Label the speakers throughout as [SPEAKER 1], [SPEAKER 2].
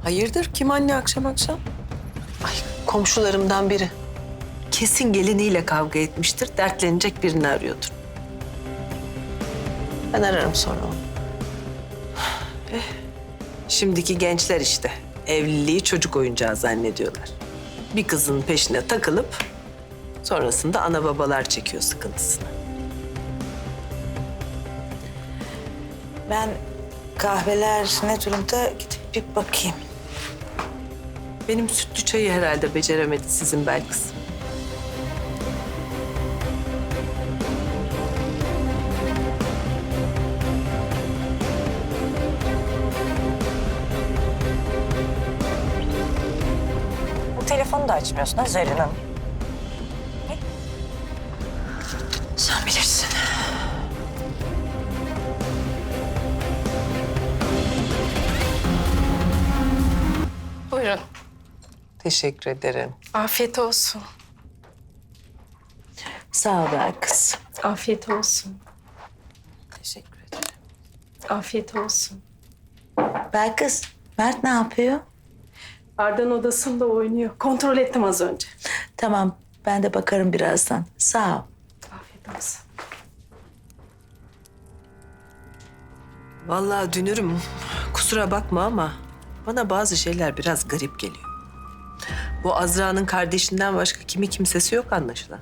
[SPEAKER 1] Hayırdır? Kim anne akşam akşam? Ay komşularımdan biri. Kesin geliniyle kavga etmiştir. Dertlenecek birini arıyordur. Ben ararım sonra onu. Şimdiki gençler işte. Evliliği çocuk oyuncağı zannediyorlar. Bir kızın peşine takılıp sonrasında ana babalar çekiyor sıkıntısını.
[SPEAKER 2] Ben kahveler ne durumda gidip bir bakayım.
[SPEAKER 1] Benim sütlü çayı herhalde beceremedi sizin Belkıs.
[SPEAKER 2] Bu telefonu da açmıyorsun ha Zerrin Hanım. Sen bilirsin.
[SPEAKER 3] Buyurun.
[SPEAKER 1] Teşekkür ederim.
[SPEAKER 3] Afiyet olsun.
[SPEAKER 2] Sağ ol Belkıs.
[SPEAKER 3] Afiyet olsun.
[SPEAKER 1] Teşekkür ederim.
[SPEAKER 3] Afiyet olsun.
[SPEAKER 2] Belkıs, Mert ne yapıyor?
[SPEAKER 3] Arda'nın odasında oynuyor. Kontrol ettim az önce.
[SPEAKER 2] Tamam, ben de bakarım birazdan. Sağ ol.
[SPEAKER 3] Afiyet olsun.
[SPEAKER 1] Vallahi Dünürüm, kusura bakma ama bana bazı şeyler biraz garip geliyor. Bu Azra'nın kardeşinden başka kimsesi yok anlaşılan.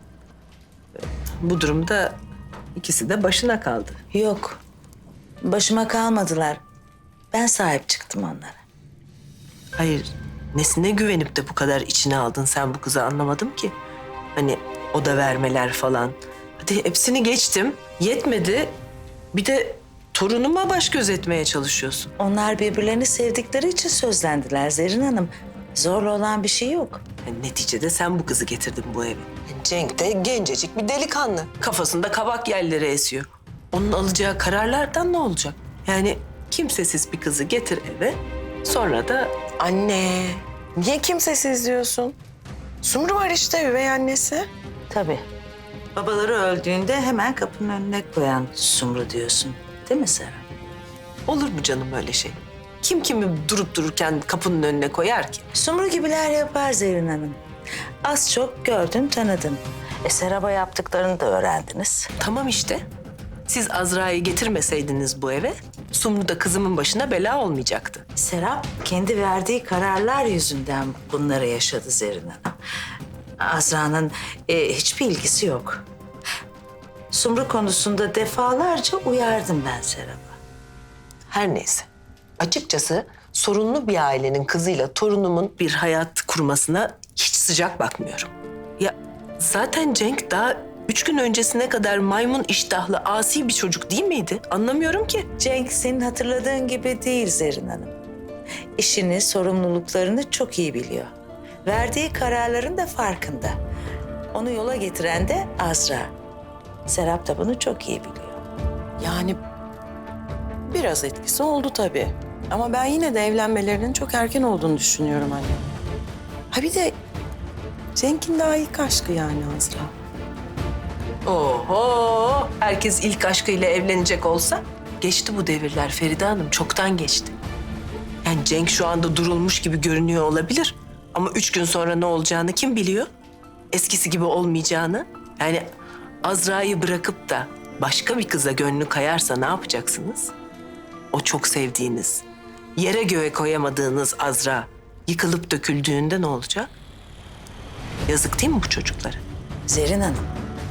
[SPEAKER 1] Bu durumda ikisi de başına kaldı.
[SPEAKER 2] Yok, başıma kalmadılar. Ben sahip çıktım onlara.
[SPEAKER 1] Hayır, nesine güvenip de bu kadar içine aldın sen bu kızı anlamadım ki. Hani oda vermeler falan. Hadi hepsini geçtim, yetmedi. Bir de torunuma baş gözetmeye çalışıyorsun.
[SPEAKER 2] Onlar birbirlerini sevdikleri için sözlendiler Zerrin Hanım. Zorla olan bir şey yok.
[SPEAKER 1] Yani neticede sen bu kızı getirdin bu eve. Cenk de gencecik bir delikanlı. Kafasında kabak yelleri esiyor. Onun alacağı kararlardan ne olacak? Yani kimsesiz bir kızı getir eve, sonra da...
[SPEAKER 4] Anne, niye kimsesiz diyorsun? Sumru var işte üvey annesi.
[SPEAKER 2] Tabii. Babaları öldüğünde hemen kapının önüne koyan Sumru diyorsun. Değil mi Serap?
[SPEAKER 1] Olur mu canım öyle şey? Kim kimi durup dururken kapının önüne koyar ki?
[SPEAKER 2] Sumru gibiler yapar Zerrin Hanım. Az çok gördün, tanıdın. Serap'a yaptıklarını da öğrendiniz.
[SPEAKER 1] Tamam işte. Siz Azra'yı getirmeseydiniz bu eve, Sumru da kızımın başına bela olmayacaktı.
[SPEAKER 2] Serap kendi verdiği kararlar yüzünden bunları yaşadı Zerrin Hanım. Azra'nın hiçbir ilgisi yok. Sumru konusunda defalarca uyardım ben Serap'a.
[SPEAKER 1] Her neyse. Açıkçası sorunlu bir ailenin kızıyla torunumun bir hayat kurmasına hiç sıcak bakmıyorum. Ya zaten Cenk daha 3 gün öncesine kadar maymun iştahlı, asi bir çocuk değil miydi? Anlamıyorum ki.
[SPEAKER 2] Cenk senin hatırladığın gibi değil Zerrin Hanım. İşini, sorumluluklarını çok iyi biliyor. Verdiği kararların da farkında. Onu yola getiren de Azra. Serap da bunu çok iyi biliyor.
[SPEAKER 4] Yani biraz etkisi oldu tabii. Ama ben yine de evlenmelerinin çok erken olduğunu düşünüyorum anne. Ha bir de Cenk'in daha ilk aşkı yani Azra.
[SPEAKER 1] Oho! Herkes ilk aşkıyla evlenecek olsa geçti bu devirler Feride Hanım. Çoktan geçti. Yani Cenk şu anda durulmuş gibi görünüyor olabilir. Ama 3 gün sonra ne olacağını kim biliyor? Eskisi gibi olmayacağını. Yani Azra'yı bırakıp da başka bir kıza gönlü kayarsa ne yapacaksınız? O çok sevdiğiniz, yere göğe koyamadığınız Azra yıkılıp döküldüğünde ne olacak? Yazık değil mi bu çocuklara?
[SPEAKER 2] Zerrin Hanım,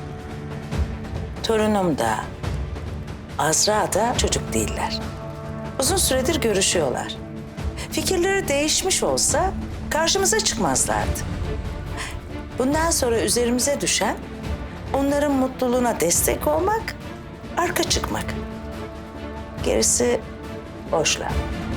[SPEAKER 2] torunum da Azra da çocuk değiller. Uzun süredir görüşüyorlar. Fikirleri değişmiş olsa karşımıza çıkmazlardı. Bundan sonra üzerimize düşen onların mutluluğuna destek olmak, arka çıkmak. Gerisi boş laf.